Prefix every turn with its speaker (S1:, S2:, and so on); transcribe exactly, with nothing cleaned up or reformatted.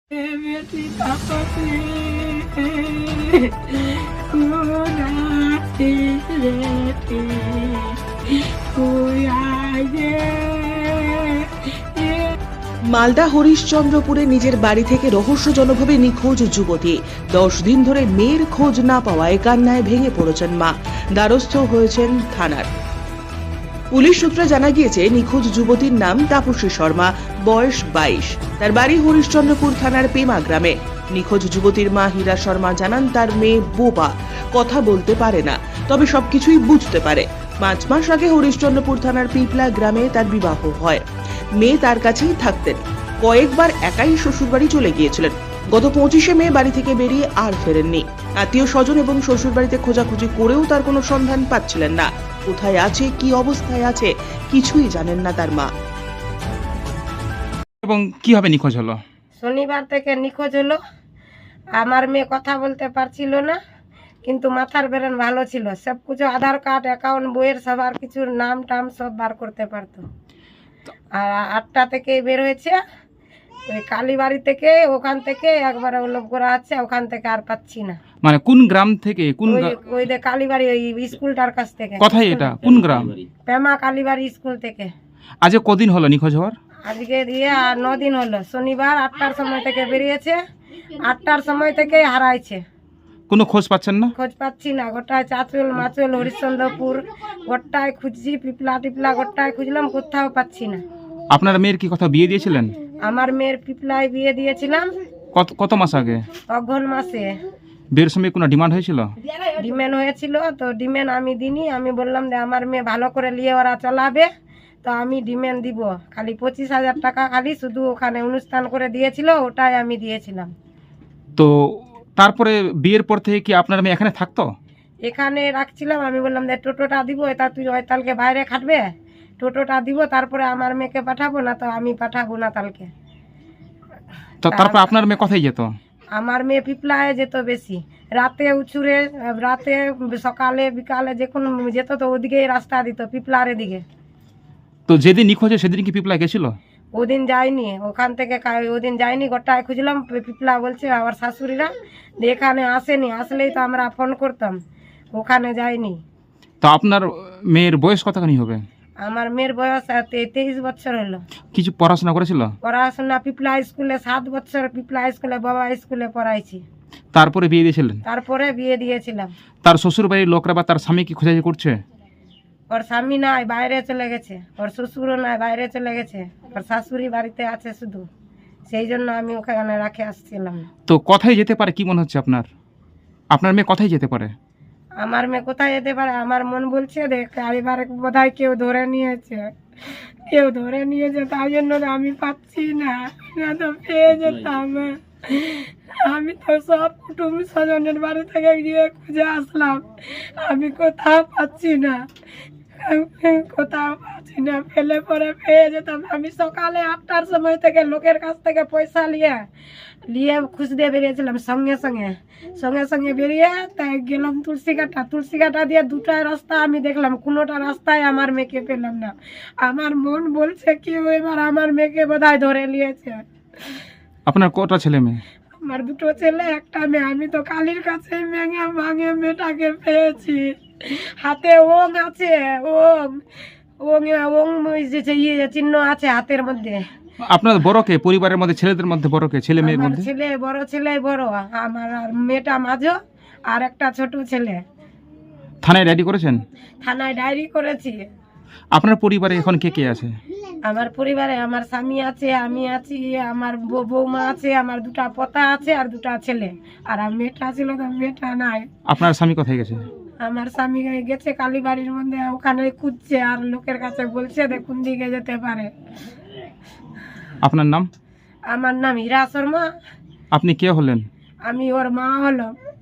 S1: बेटी पापा से खुनाती रहती कोई आए
S2: মালদা হরিশ্চন্দ্রপুরে নিজের বাড়ি থেকে রহস্যজনকভাবে নিখোঁজ যুবতী। দশ দিন ধরে মেয়ের খোঁজ না পাওয়ায় কান্নায় ভেঙে পড়েছেন মা। দ্বারস্থ হয়েছেন থানার পুলিশ সূত্রে জানা গিয়েছে, নিখোঁজ যুবতীর নাম তাপসী শর্মা, বয়স বাইশ। তার বাড়ি হরিশ্চন্দ্রপুর থানার পেমা গ্রামে। নিখোঁজ যুবতীর মা হীরা শর্মা জানান, তার মেয়ে বোবা, কথা বলতে পারে না, তবে সবকিছুই বুঝতে পারে। পাঁচ মাস আগে হরিশ্চন্দ্রপুর থানার পিপলা গ্রামে তার বিবাহ হয়। মেয়ে তার কাছেই থাকতেন। কয়েকবার একাই শ্বশুরবাড়ি চলে গিয়েছিলেন। গত পঁচিশে মে বাড়ি থেকে বেরিয়ে আর ফেরেননি। আত্মীয় স্বজন এবং শ্বশুরবাড়িতে খোঁজাখুঁজি করেও তার কোনো সন্ধান পাচ্ছিলেন না। কোথায় আছে, কি অবস্থায় আছে, কিছুই জানেন না তার মা।
S3: এবং কিভাবে নিখোঁজ হলো?
S1: শনিবার থেকে নিখোঁজ হলো। আমার মেয়ে কথা বলতে পারছিল না, কিন্তু মাথার ব্রেন ভালো ছিল। সব কিছু আধার কার্ড, অ্যাকাউন্ট, বইয়ের সবার কিছুর নাম টাম সব বার করতে পারতো। আর আটটা থেকে বের হয়েছে ওই কালীবাড়ি থেকে, ওখান থেকে একবারে লোক করা আছে, ওখান থেকে আর পাচ্ছি না।
S3: মানে কোন গ্রাম থেকে? কোন
S1: ওই
S3: গ্রা-
S1: ওই যে কালীবাড়ি ওই স্কুলটার কাছ থেকে।
S3: কোথায় এটা? কোন গ্রাম?
S1: পেমা কালীবাড়ি স্কুল থেকে।
S3: আজ কদিন হলো নিখোঁজ হওয়ার?
S1: আজকে দিয়ে আর ন দিন হলো। শনিবার আটটার সময় থেকে বেরিয়েছে, আটটার সময় থেকে হারাইছে।
S3: কোনো খোঁজ পাচ্ছেন না?
S1: খোঁজ পাচ্ছি না। গোটায় চাঁচল মাচল হরিশ্চন্দ্রপুর গোটায় খুঁজছি, পিপলা টিপলা গোটায় খুঁজলাম, কোথাও পাচ্ছি না।
S3: আপনার মেয়ের কি কথা বিয়ে দিয়েছিলেন?
S1: আমার মেয়ের পিপলায় বিয়ে দিয়েছিলাম
S3: কত কত মাস আগে?
S1: অঘ্রান মাসে।
S3: বিয়ের সময় কোনো ডিমান্ড হয়েছিল?
S1: ডিমেন হয়েছিল, তো ডিমেন আমি দিনি। আমি বললাম যে আমার মেয়ে ভালো করে নিয়ে ওরা চালাবে, তো আমি ডিমেন দিব। খালি পঁচিশ হাজার টাকা খালি শুধু ওখানে অনুষ্ঠান করে দিয়েছিল, ওটাই আমি দিয়েছিলাম।
S3: তো তারপরে বিয়ের পর থেকে কি আপনার মেয়ে এখানে থাকতো?
S1: এখানে রাখছিলাম। আমি বললাম যে টোটোটা দিব, এটা তুই ওইতালকে বাইরে খাটবে, টোটোটা দিব, তারপরে আমার মেয়েকে পাঠাবো, না তো আমি পাঠাবো না তালকে।
S3: তো তারপর আপনার মেয়ে কোথায় যেত?
S1: আমার মেয়ে পিপলায় যেত বেশি, রাতে উছুরে, রাতে সকালে বিকালে যখন যেত তো ওদিকেই রাস্তা দিত, পিপলার দিকে।
S3: তো যেদিন নিখোঁজ হয় সেদিন কি পিপলা গেছিল?
S1: ওদিন যায়নি, ওখান থেকে কা- ওদিন যায়নি। গোটায় খুঁজলাম, পিপলা বলছে আমার শাশুড়িরা যে এখানে আসেনি, আসলেই তো আমরা ফোন করতাম। ওখানে যায়নি।
S3: তো আপনার মেয়ের বয়স কতখানি হবে?
S1: আমার মেয়ের বয়স তে- তেইশ বছর হলো।
S3: কিছু পড়াশোনা করেছিল?
S1: পড়াশোনা পিপলা স্কুলে সাত বছর, পিপলা স্কুলে বাবা স্কুলে পড়াইছি।
S3: তারপরে বিয়ে দিয়েছিলেন?
S1: তারপরে বিয়ে দিয়েছিলাম।
S3: তার শ্বশুর বাড়ির লোকরা বা তার স্বামী কি খোঁজাখুঁজি করছে?
S1: ওর স্বামী নাই, বাইরে চলে গেছে। ওর শ্বশুরও নাই, বাইরে চলে গেছে। ওর শাশুড়ি বাড়িতে আছে শুধু, সেই জন্য আমি ওখানে রাখে আসছিলাম।
S3: তো কোথায় যেতে পারে কি মনে হচ্ছে আপনার? আপনার মেয়ে কোথায় যেতে পারে?
S1: আমার মেয়ে কোথায় যেতে পারে, আমার মন বলছে দেখ এবার বোধহয় কেউ ধরে নিয়েছে, কেউ ধরে নিয়েছে, তাই জন্য তো আমি পাচ্ছি না, না তো পেয়ে যেতাম। আমি তো সব কুটুম স্বজনের বাড়ি থেকে গিয়ে খুঁজে আসলাম, আমি কোথাও পাচ্ছি না, কোথাও পাচ্ছি না। ফেলে পরে পেয়ে যেতাম। আমি সকালে আটটার সময় থেকে লোকের কাছ থেকে পয়সা নিয়ে নিয়ে খুঁজতে বেরিয়েছিলাম। সঙ্গে সঙ্গে সঙ্গে সঙ্গে বেরিয়ে তাই গেলাম তুলসী কাটা। তুলসী কাটা দিয়ে দুটাই রাস্তা আমি দেখলাম, কোনোটা রাস্তায় আমার মেয়েকে পেলাম না। আমার মন বলছে কি এবার আমার মেয়েকে বোধহয় ধরে নিয়েছে।
S3: আপনার কটা ছেলে মেয়ে?
S1: আমার দুটো ছেলে, একটা মেয়ে। আমি তো কালীর কাছে মেঙে ভাঙে মেয়েটাকে পেয়েছি। হাতে ওং আছে, ওং ওং ওং ওই যে ইয়ে চিহ্ন আছে হাতের মধ্যে।
S3: আপনার বড় কে পরিবারের মধ্যে? ছেলেদের মধ্যে বড় কে? ছেলে মেয়ের
S1: আমার
S3: মধ্যে?
S1: ছেলে বড়, ছেলে বড়, আমার আর মেয়েটা মাঝো, আর একটা ছোট ছেলে।
S3: থানায় ডায়েরি করেছেন?
S1: থানায় ডায়েরি করেছি।
S3: আপনার পরিবারে এখন কে কে আছে?
S1: আমার পরিবারে আমার স্বামী আছে, আমি আছি, আমার বৌ- বৌমা আছে, আমার দুটা পোতা আছে আর দুটা ছেলে। আর আমার মেয়েটা ছিল তো মেয়েটা নাই।
S3: আপনার স্বামী কোথায় গেছে?
S1: আমার স্বামী গেছে কালীবাড়ির মধ্যে, ওখানে খুঁজছে আর লোকের কাছে বলছে দেখুন দিকে যেতে পারে।
S3: আপনার নাম?
S1: আমার নাম হীরা শর্মা।
S3: আপনি কে হলেন?
S1: আমি ওর মা হলো।